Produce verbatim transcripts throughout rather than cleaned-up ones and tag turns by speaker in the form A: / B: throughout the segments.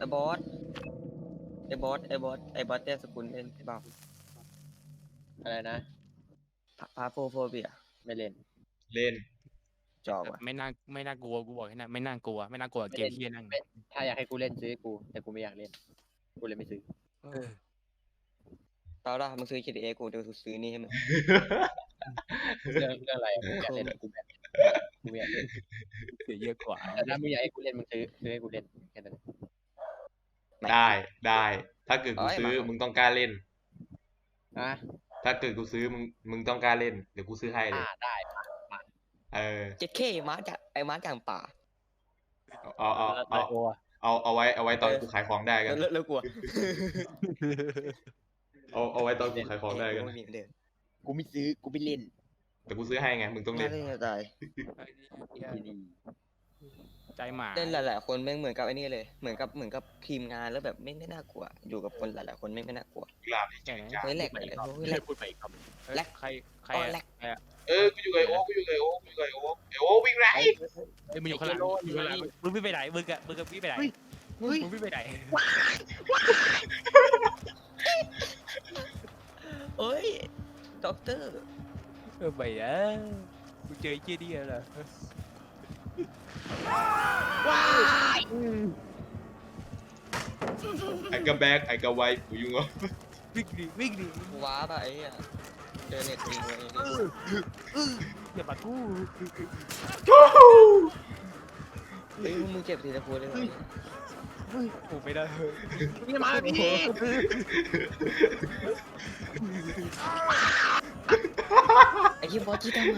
A: อ้บอสไอ้บอสไอ้บอสไอ้บอสเต้สกุลเล่นใช่เปล่า
B: อะไรนะ
A: พาโฟโฟเบีย
B: ไม่เล่น
C: เล่น
A: จอบอ่ะ
D: ไม่น่าไม่น่ากลัวกูบอกให้นะไม่น่ากลัวไม่น่ากลัวเกมที่นั่ง
B: ถ้าอยากให้กูเล่นซื้อให้กูแต่กูไม่อยากเล่นกูเลยไม่ซื้อ
A: ตอนแรกมึงซื้อ จี ที เอ กูเดี๋ยวกูซื้อนี่ให้มึง
B: เรื่องเรื่องอะไรกูอยากเล่นกูแบบกูไม่อยากเล่น
D: เสียเยอะกว่า
B: แต่ถ้ามึงอยากให้กูเล่นมึงซื้อซื้อให้กูเล่นแค่นั้น
C: ได้ได้ถ้าเกิดกูซื้อมึงต้องกล้าเล่น
B: อ่ะ
C: ถ้าเกิดกูซื้อมึงมึงต้องกล้าเล่นเดี๋ยวกูซื้อให้เลย
B: อ่าได้มา
C: เออ
A: เจ็ดเคมาจากไอ้มาจากป่า
C: เอาเอาเอาเอาเอาเอาไว้เอาไว้ตอนกูขายของได้กัน
A: เลิกเลิกกลัว
C: เอาเอาไว้ตอนกูขายของได้กัน
A: ไม่มีเดิม
B: กูไม่ซื้อกูไม่เล่น
C: แต่กูซื้อให้ไงมึงต้อง
A: น่า
C: เล่น
A: เล่นจะตาย
B: ที่นี่
D: ใจหมา
A: เล่นหลายๆคนแม่งเหมือนกับไอ้นี่เลยเหมือนกับเหมือนกับทีมงานแล้วแบบไม่ไม่น่ากลัว อยู่กับคนหลายๆคนไม่ไม่น่ากลัว
C: กลาบดิ
D: ใช่ไหม
A: เฮ้ยแหลก
B: ไป
A: เลย
B: อีกรอบ
A: เฮ้ยแหลก
B: พูดไปอีกรอบ
D: แลกใครใคร
A: อ๋อแลก
D: ใครอะ
C: เออกูอยู่กับไอโอ๊คกูอยู่กับไอโอ๊คกูอยู่กับไอโอ๊คไอโอ๊ควิ่งไร
D: เอ้ยมึงอยู่ข้างหลังอยู่ข้างหลังมึงวิ่งไปไหนมึงอะมึงกับวิ่งไปไหนมึงวิ่งไปไหน
A: เอ้ยด็อกเตอร์
D: เออไปอ่ะกูเจอไอ้เจี๊ยดีเหรอ
C: ไอ้กระแบกไอ้กระไวกูยุ่งเหรอ
D: วิ่งดิวิ่งดิ
A: ว้าป่ะไอ้เหี้ยเดินเน็ตวิ่งเลย
D: อย่ามากู
A: เฮ้ยมึงเจ็บทีละคนเลย
D: กูไม่ได้
B: นี่มาพี่
A: ไอ้ที่บอสที่ทำไม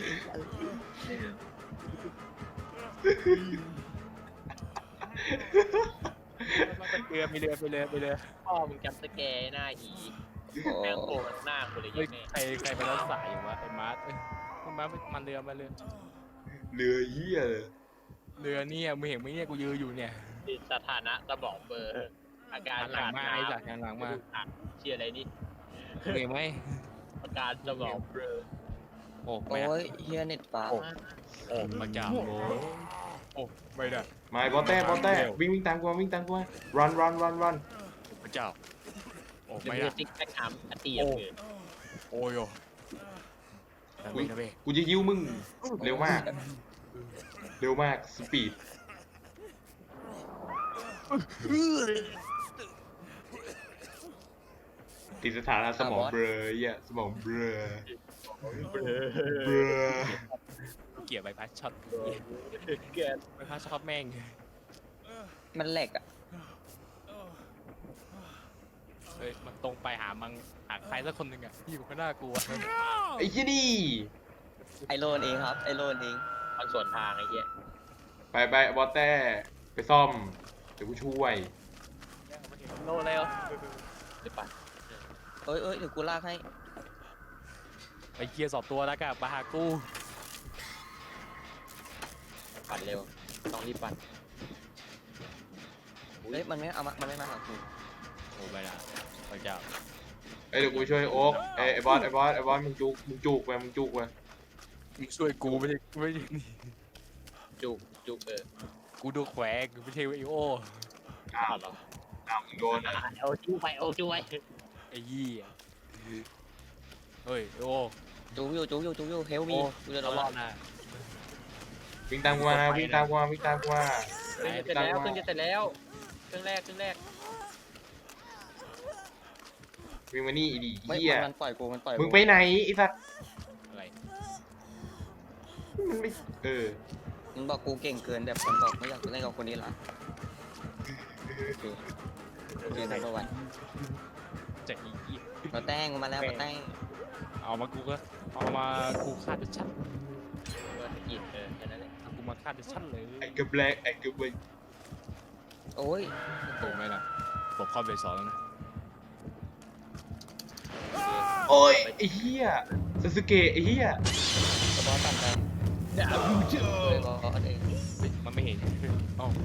D: เรือไปเรือไปเรือไปเรือ
B: พ่อมึงจำสแกร์หน้าหี
A: โอ้
B: แม่งโผล่หน้ากูเลย
D: เฮ้ย
B: ยังไง
D: ใครใครมาแล้วสายอยู่วะไอ้มาร์ทเอ้ยมาร์ทมันเรือมาเรือ
C: เรือเหี้ยเลย
D: เรือเนี่ยมึงเห็นไหมเนี่ยกูยืนอยู่เนี่ย
B: สถานะสมองเบอร์อาการ
D: หันหลัง
B: ขาด
D: มา
B: น้
D: ไอ้สัตว์หันหลังมา
B: ำเชียอะไรนี่
D: มึงเห็นไหม
B: อาการสมองเบลอ
D: โอ้
A: โอ้
D: ไม่ได้
A: ยเฮียเน็ตฟ้า
D: โอ้พระเจ้าโอ้โอ้ไม่ได้
C: มาไอ้บอสเต้บอสเต้วิ่งวิ่งตามกูมาวิ่งตามกูมา run run run run
D: พระเจ้าโอ้
B: เดี๋ยว
D: ไม่
B: มึง
D: ได้
B: จะติ๊กแท็กถามอตีอย่างอื่น
D: โอ้ยโอ้นะเว้ยนะเว้ย
C: กูจะยิ้วมึงเร็วมาก เร็วมากสปีดติดสถานะสมองเบลอเหี้ยสมองเบลอ
B: เบลอ
C: เบลอ
D: เกลียดใบพัดช็อต
B: เกิน
D: ใบพัดช็อตแม่ง
A: มันแหลกอ่ะ
D: เฮ้ยมันตรงไปหามังหาใครสักคนหนึ่งอ่ะที่อยู่ข้างหน้ากูอะ
C: ไอ้ที่นี่
A: ไอโลนเองครับไอโลนเอง
B: มันส่วนทางไอ้เหี้ย
C: ไปไปบอสเต้ไปซ่อมเดี๋ยวกูช่วย
D: โลแล้ว
B: หรือเปล่า
A: เอ้ยเอ้ยเดี๋ยวกูลากให้
D: ไปเกียร์สอบตัวแล้วกันมาหากู
B: ปั่นเร็วต้องรีบปั่น
A: เฮ้ยมันไม่เอามามันไม่มาหากู
D: โอ้ไม่ได้พระเจ้า
C: ไอ้ยเดี๋ยวกูช่วยโอ๊กไอ้ไอ้บอสไอ้บอสไอ้บอสมึงจุกมึงจุกไปมึงจุกไป
D: มึงช่วยกูไม่ใช่ไม่ใช่นี่
B: จุกจุกเออ
D: กูดูแขวงไม่ใช่ไอโอ
C: อ้าว
B: เหรอ
C: อ้าวมึงโดนนะ
B: เอาจุกไปเอาจุกไป
D: ไอ้ยี่เฮ้ยโอ
A: จูอยู่จูอยู่จูอยู่เฮลมี
D: โอ้
A: กูจะร
D: เรา
A: อ
D: ร
A: ร
D: อ
A: อ
D: ดนะ
C: วิ่งตามกูมาวิ่งตามกูมาวิ่งตามกูมา
B: เครื่องจะเสร็จแล้วเครื่องจะเสร็จแล้วเครื่องแรกเครื่องแรก
C: วิ่งมานี่อีดี
A: ไม่
C: เหี้ย
A: มันปล่อยกูมันปล่อย
C: มึงไปไหนไอ้สัตว์
D: อะไร
C: มันไม่เออ
A: มันบอกกูเก่งเกินแบบมันบอกไม่อยากเล่นกับคนนี้ละเรียนทั้งวัน
D: จะอียี่
A: มาแต้งมาแล้วมาแต้ง
D: เอามากูก็เอามากูฆ่าจะชัด
B: เบอร์กินเออแค่นั้นแหละ
D: กูมาฆ่าจะชัดเลย
C: ไอ้กระแบกไอ้กระเบก
A: โอ้ย
D: โอ้ไม่ล่ะผมเข้าไปสอนแล้วนะ
C: โอ้ยไอ้เหี้ยซาสึเกะไอ้เหี้ย
A: กระบอกตันไป
B: ด่าบูเจอ
A: เลยบอสเอง
D: มันไม่เห็นเอ้า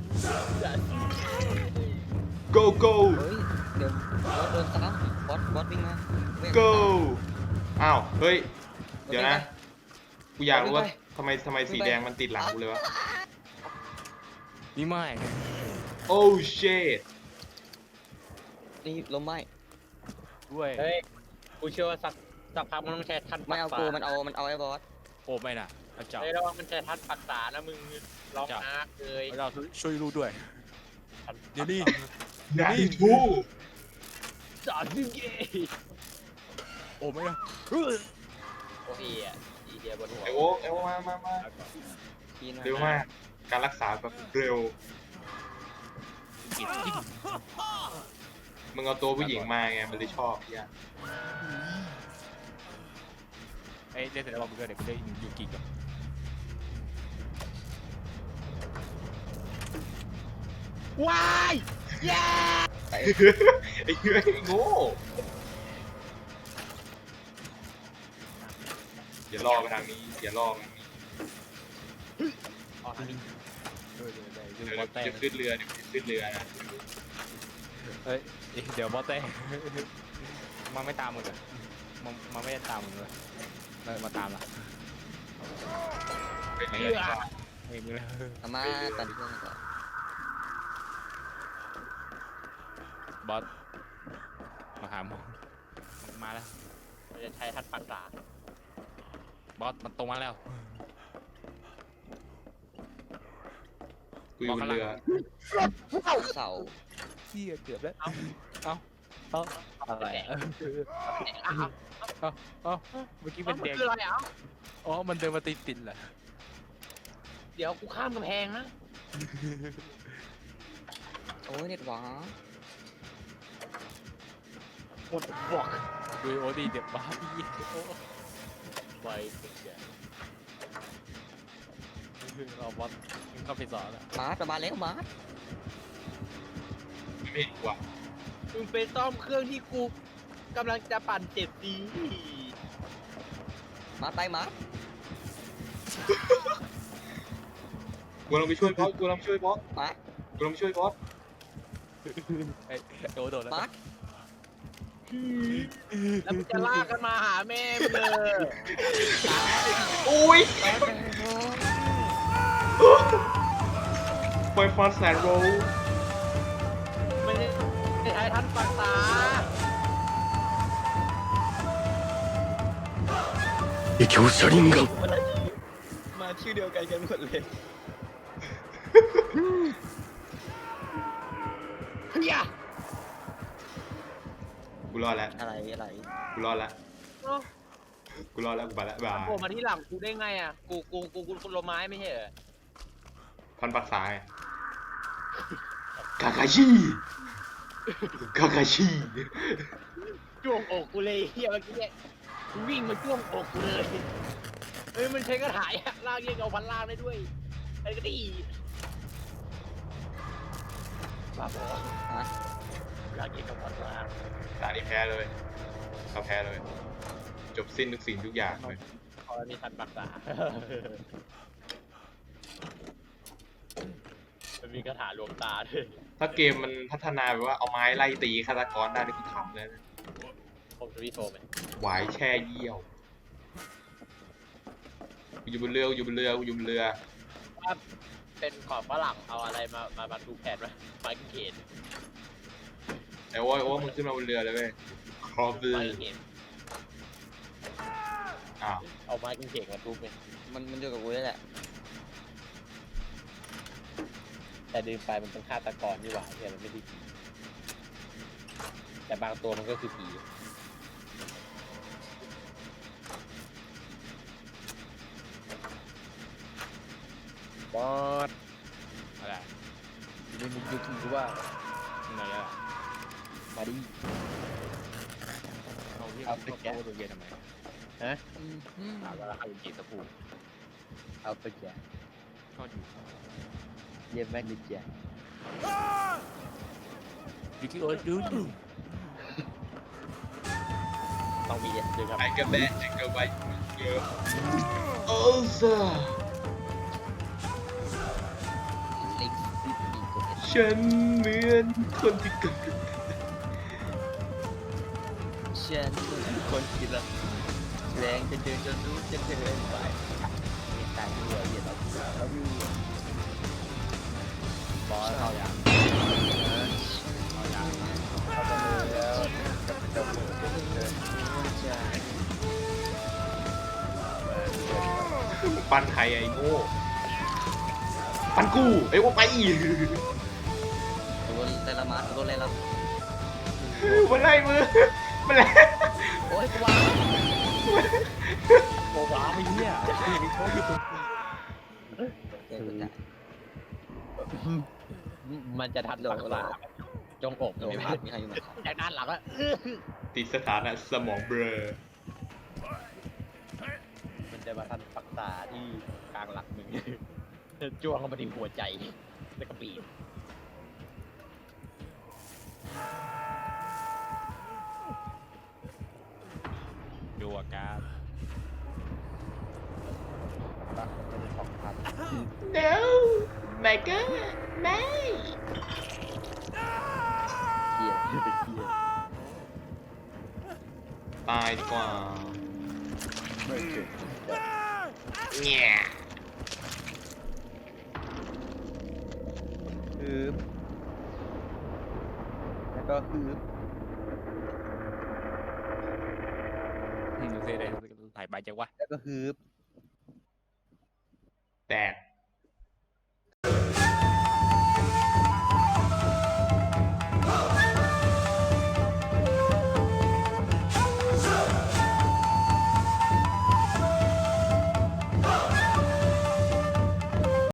C: go go
A: เฮ้ยเดี๋ยวบอสโดนซ้ำบอสบอสวิ่งมา
C: go อ้าวเฮ้ยเดี๋ยวนะกูอยากรู้ว่าทำไมทำไมสีแดงมันติดหลังกูเลยวะ
D: นี่ไม่
C: โอ้เชด
A: นี่ล้มไหม
D: ด้วย
B: เฮ้ยกูเชื่อว่าสักสักพักมันต้องใช้ทัน
A: ไม่เอากูมันเอามันเอาไอ้บอส
D: โอ้ไม่น่ะพระเจ้า
B: เฮ้ยระวังมันใช้ทันปักษานะมึงร้องอาร์คเลย
D: พระเจ้าช่วยรู้ด้วยเดี๋ยวนี้
C: นาดิทู
B: สอนดึงเย่
D: โอ้ไม่นะ
B: โอ้ยอ่ะอีเดียบนหัว
C: ไอโอ๊คไอโอ๊คมามามา
A: ทีนะ
C: เร็วมากการรักษาแบบเร็ว
D: กินกิน
C: มึงเอาตัวผู้หญิงมาไงมันเลยชอบพี่อะ
D: ไอ้เล่นเสร็จแล้วมึงก็เดี๋ยวกูได้ยูกิกับ
B: ว้ายเย้
C: ไอ้เหี้ยไอ้โง่อย่าล่อไปทางนี้อย่าล่อไปทางนี้
B: อ๋ออันนี้
D: เออเดี๋ยวเดี๋ยว
C: เดี๋
D: เดี๋
C: ย
D: ยว วบอส
C: จะ
D: แต้
C: ขึ้นเรือเดี๋ยวจะขึ้นเรือนะ
D: เฮ้ยเดี๋ยวบอสแต้มันไม่ตามมึงเหรอมันมันไม่ได้ตามมึงเลยเออมาตามละ
C: เป็นเรือดีกว่า
D: เองเลย
A: เอามาตันเพื่อนก่อน
D: บอสมาหามึงมาแล้ว
B: มันจะใช้ทันปักษา
D: บอสมันตรงมาแล้ว
C: กูอยู่บนเรือ
A: เสา
D: เหี้ยเกือบแล้วเอ้าเอ้าเอ้าอะไรอ่ะ
B: อ้าว
D: เอ้าเอ้าเมื่อกี้เป็น
B: มัน
D: แดง
B: คืออะไรอ่ะ
D: อ๋อมันเดินมาติดติดเหรอ
B: เดี๋ยวกูข้ามกำแพงนะ
A: โอ้ยเน็ตหวา
B: หมดบอก
D: ดูโอดีเดี๋ยวบ้าพี่โอ้
B: ไปเป็นเสีย
D: เราบอสเข้าไปสอนแล้ว
A: มาร์ทมาแล้วมาร์ท
C: ไม่เห็นกูอะ
B: มึงไปซ่อมเครื่องที่กูกำลังจะปั่นเจ็บดี
A: มาร์ทไปมาร์ท
C: กูลองไปช่วยบอสกูลองไปช่วยบอส
A: มาร์ท
C: กูลองไปช่วยบอส
D: ไอ้โดนโดนแล้ว
A: มาร์ท
B: แล้วมึงจะลากกันมาหาแม่มึงเลย
C: อุ้ยปล่อยฟอนแสนโรล
B: ไม่ได้ใช้ทันปักษา
A: มาชื่อเดียวกันกันหมดเลย
B: เฮีย
C: กูรอดแล้ว
A: อะไรอะไร
C: กูรอดแล้วกูรอดแล้วกูไปแล้วบาย
B: โผล่มาที่หลังกูได้ไงอ่ะ กูกูกูกูกูลมไม้ไม่ใช่เหรอ
C: พันปักษาไงกาคาชิกาคาชิ
B: จ้วงอกกูเลยเฮียเมื่อกี้เนี่ยกูวิ่งมาจ้วงอกกูเลยเฮ้ยมันใช้กระถายอะลากเรียกเอาพันลากได้ด้วยไอ้ก็ดีบ้าบอ
A: ฮะ
B: ลากเรียกเอาพันลาก
C: ตานี้แพ้เลยเราแพ้เลย จบสิ้นทุกสิ่งทุกอย่างเลย
B: พอมีทันปักษามันมีกระถาลวงตาด้วย
C: ถ้าเกมมันพัฒนาแบบว่าเอาไม้ไล่ตีฆาตกรได้นี่กูทำเลยนะ
B: ผมจะวิโทรไหม
C: หวายแช่เยี่ยวกูอยู่บนเรือกูอยู่บนเรือกูอยู่บนเรือ
B: ว่าเป็นขอบฝรั่งเอาอะไรมามามาดูแผนไหมไม้กางเขน
C: ไอ้โอ้ยโอ้ยมึงขึ้นมาบนเรือเลยเว้ยครอบเรือ
B: ไม้กางเขน
C: อ้าว
B: เอาไม้กางเขนมาทุบไหม
A: มันมันอยู่กับกูนี่แหละ
B: แต่เดินไปมันเป็นฆาตกรนี่หว่าเนี่ยมันไม่ได้ผีแต่บางตัวมันก็คือผีบอส
D: อะไร
B: มีมุกยุกิหรือว่า
D: ไหนอ่ะ
B: มาดิ
D: เอาที่
B: เอา
D: เอา
B: ไป
D: ไป
B: แกะ
D: แกะตัวเย็นทำไม
B: ฮะ
A: อืมอืม
D: ถามว่าเอากี่ตะปู
B: เอาไปแกะ
D: ก็อยู่
B: เยี่ยมแม่งดิแกะ
D: ยูกิโอ้ยดูดู
B: ต้องมีเอ็ดด้วยครับ
C: ไอ้กระแบะไอ้กระไวเยอะโอ้ซา
A: ลิกซิตี้กูเห็น
C: ฉันเหมือนคนที่เกิด
A: ฉันเป็นคนที่รักแรงจะเดินจนรู้จะเดินไปเห็นตายด้วยเห็นเราเราอยู่
D: บอสเข้ายางเข้ายาง
B: เอาไปเลยแล้วจะเหมือนจะเดิน
C: ปันใครไอ้โง่ปันกูไอ้โอ้ไป
A: โดนไล่ละมาโดนไล่ละ
C: มันไล่มือมันไล่
A: โอ้ยกูวาง
D: โอ้ว้าไม่เหี้ยมีเขาอยู่
A: เดี๋ยวกูจะ
B: มันจะทันหลงหลาจงอก
A: โด
B: ไม่
A: น
B: พลา
A: พั
B: ด
A: ดมีใครอยู่ไหมครับ
B: จากด้านหลังอะ
C: ติดสถานะสมองเบลอ
B: มันจะมาทันปักษาที่กลางหลักมึงจ้วงเข้ามาที่หัวใจแล้วก็ปีน
D: ดูอาการ
C: no my god ไม่
A: เหี้ย
C: ตายดีกว่า
B: ไม่เก่ง
C: เนี่ย
B: ฮึบแล้วก็ฮึบ
D: ดูสิได้ไหลไปจังวะ
B: แล้วก็ฮึบ
C: แตก